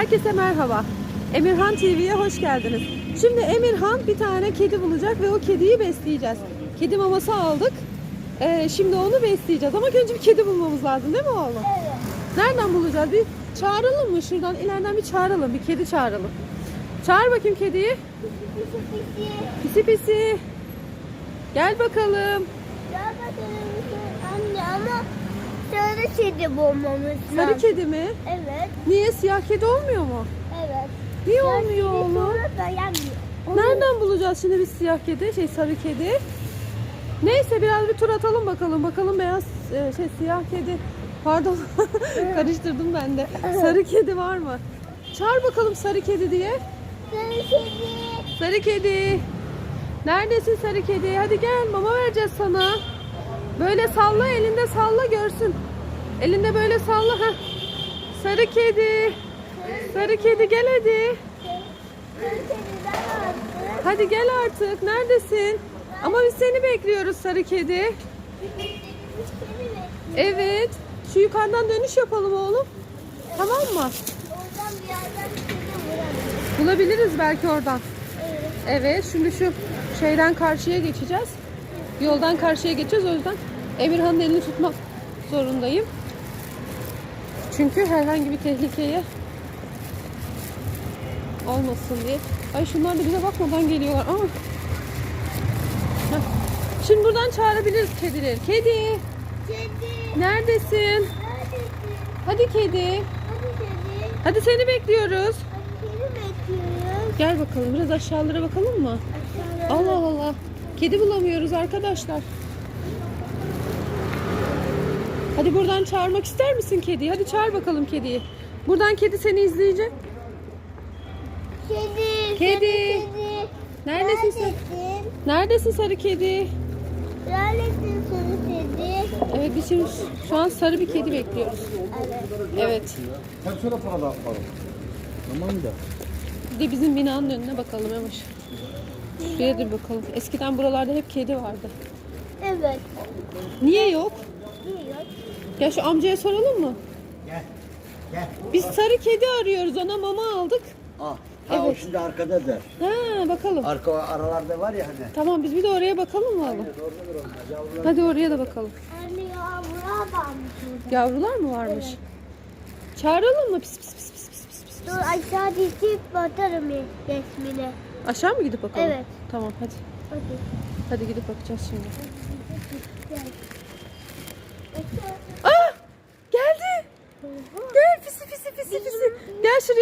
Herkese merhaba. Emirhan TV'ye hoş geldiniz. Şimdi Emirhan bir tane kedi bulacak ve o kediyi besleyeceğiz. Kedi maması aldık. Şimdi onu besleyeceğiz. Ama önce bir kedi bulmamız lazım değil mi oğlum? Evet. Nereden bulacağız? Bir çağıralım mı? Şuradan ileriden bir çağıralım. Bir kedi çağıralım. Çağır bakayım kediyi. Pisi pisi. Gel bakalım. Ya bakalım anne ama sarı kedi bulmamız lazım. Sarı kedi mi? Evet. Niye? Siyah kedi olmuyor mu? Evet. Niye olmuyor oğlum? Sonra dayanmıyor. Nereden bulacağız şimdi biz siyah kedi, sarı kedi? Neyse biraz bir tur atalım bakalım. Bakalım beyaz, siyah kedi. Pardon, karıştırdım ben de. Sarı kedi var mı? Çağır bakalım sarı kedi diye. Sarı kedi. Sarı kedi. Neredesin sarı kedi? Hadi gel, mama vereceğiz sana. Böyle salla, elinde salla görsün. Elinde böyle salla. Heh. Sarı kedi. Sarı kedi gel hadi. Sarı kediden aldım. Hadi gel artık. Neredesin? Ama biz seni bekliyoruz sarı kedi. Evet. Şu yukarıdan dönüş yapalım oğlum. Tamam mı? Oradan bir yerden kedi vuramıyor. Bulabiliriz belki oradan. Evet. Evet. Şimdi şu şeyden karşıya geçeceğiz. Yoldan karşıya geçeceğiz. O yüzden Emirhan'ın elini tutmak zorundayım. Çünkü herhangi bir tehlikeye olmasın diye. Ay şunlar da bize bakmadan geliyorlar. Aa. Heh. Şimdi buradan çağırabiliriz kedileri. Kedi, Kedi. neredesin? Neredesin? Hadi kedi. Hadi kedi. Hadi seni bekliyoruz. Hadi kedi bekliyoruz. Gel bakalım. Biraz aşağılara bakalım mı? Aşağıda. Allah Allah. Kedi bulamıyoruz arkadaşlar. Hadi buradan çağırmak ister misin kediyi? Hadi çağır bakalım kediyi. Buradan kedi seni izleyecek. Kedi. Kedi. Sarı kedi. Neredesin sen? Neredesin sarı kedi? Neredesin sarı kedi? Evet biz şimdi şu an sarı bir kedi bekliyoruz. Evet. Evet. Hadi şöyle para da alalım. Tamam da. Bir de bizim binanın önüne bakalım Yavaş. Şuraya da bir bakalım. Eskiden buralarda hep kedi vardı. Evet. Niye yok? Yiyor. Ya şu amcaya soralım mı? Gel. Gel. Biz sarı kedi arıyoruz. Ona mama aldık. Ha, Evet. o şimdi arkadadır. Ha bakalım. Arka aralarda var ya hani. Tamam biz bir de oraya bakalım mı oğlum? Oradadır onlar. Yavrular. Hadi oraya da bakalım. Anne yavrular varmış orada. Yavrular mı varmış? Çağıralım mı? Pis pis pis pis pis pis pis. Dur aşağı dikip batarım resmine. Aşağı mı gidip bakalım? Evet. Tamam hadi. Hadi. Hadi gidip bakacağız şimdi. Gel. Aa! Geldi. Gel pisi pisi pisi pisi. Gel şuraya.